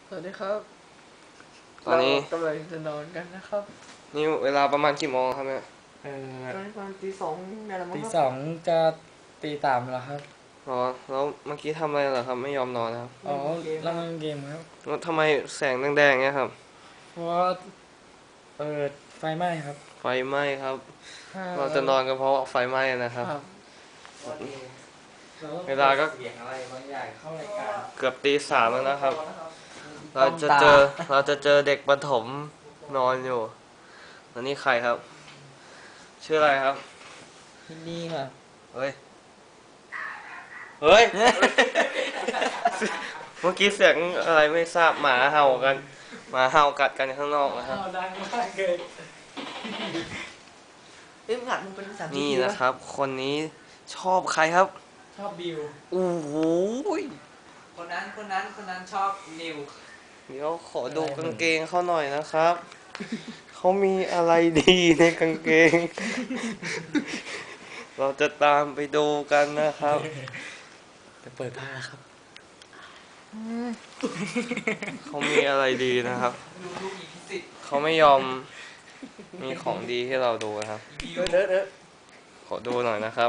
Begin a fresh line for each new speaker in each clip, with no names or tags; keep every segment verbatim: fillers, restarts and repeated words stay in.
สวัสดีครับ
ตอนนี้
เรากำลังจะนอนกันนะครับ
นี่เวลาประมาณกี่โมงครับเนี่ย
เออตอนนี้ประมาณตีสองนี่แหละมั้ง
ตี
ครับ
สองจะตีสามแล้วครับ
อ๋อแล้วเมื่อกี้ทำอะไรเหรอครับไม่ยอมนอนครับ
อ๋อเล่นเกมครับ
แล้วทำไมแสงแดงๆเนี่ยครับ
เพราะว่าเปิดไฟไหม้ครับ
ไฟไหม้ครับเราจะนอนกันเพราะไฟไหม้นะครับเวลาก็
เสียงอะไรบางอย่างเข้ารายการ
เกือบตีสามแล้วนะครับเราจะเจอเราจะเจอเด็กประถมนอนอยู่แล้วนี่ใครครับชื่ออะไรครับ
ที่นี่ครับ
เฮ้ยเฮ้ยเมื่อกี้เสียงอะไรไม่ทราบหมาเห่ากันหมาเห่ากัดกันข้างนอกนะครับ
ดังมากเลย
เอ้ยมึงหัดมึงเป็นสาม
นี่นะครับ คนนี้ชอบใครครับ
ชอบบิว
โอ้โห
คนนั้นคนนั้นคนนั้นชอบนิว
เดี๋ยวขอดูกางเกงเขาหน่อยนะครับ เขามีอะไรดีในกางเกง เราจะตามไปดูกันนะครับ
จะเปิดผ้าครับ
เขามีอะไรดีนะครับ
ดูดูอีพิสิทธิ์
เขาไม่ยอมมีของดีให้เราดูนะครับ
เออเด้อเด้อ
ขอดูหน่อยนะครับ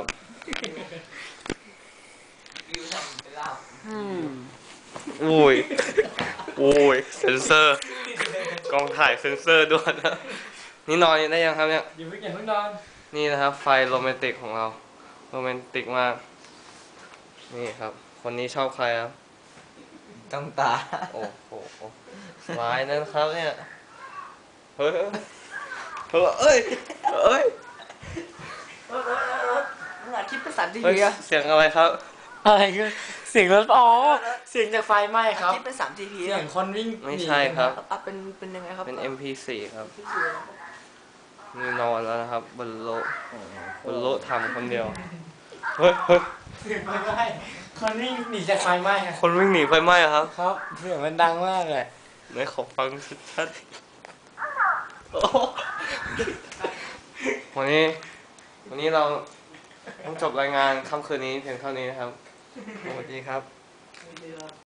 วิวทำเป็นลาบ
อุ้ยอุ้ยเซนเซอร์ กล้องถ่ายเซนเซอร์ด้วยนะ นี่นอนได้ยังครับเนี่ย
อยู่ไม่เก่งเพิ่งนอน
นี่นะครับไฟโรแมนติกของเราโรแมนติกมากนี่ครับ คนนี้ชอบใครครับ
ต้องตา
โอ้โหร้ายนะครับเนี่ยเฮ้ยเฮ้ยเอ้ยเอ้ย
มึงหัดคิดเป็นสามที
เฮ้ย
อะ
เสียงอะไรครับ
อะไรก็เสียงรถอ๋อเสียงจากไฟไหม้ครับ
คิดเป็นสามทีพี
เสียงคนวิ่ง
ไม่ใช่ครับ
อ่ะเป็นเป็นยังไงครับ
เป็น เอ็ม พี โฟร์ ครับนี่นอนแล้วนะครับบนโลกบนโลกทำคนเดียวเฮ้ยเฮ้ย
เสียงไฟไหม้คนวิ่งหนีจากไฟไหม้ครับ
คนวิ่งหนีไฟไหม้เหรอครับ
ครับเสียงมันดังมากเลย
ไหนขอฟังชัดๆโอ้โหวันนี้ วันนี้เราต้องจบรายงานค่ำคืนนี้เพียงเท่านี้นะครับ สวัสดีครับ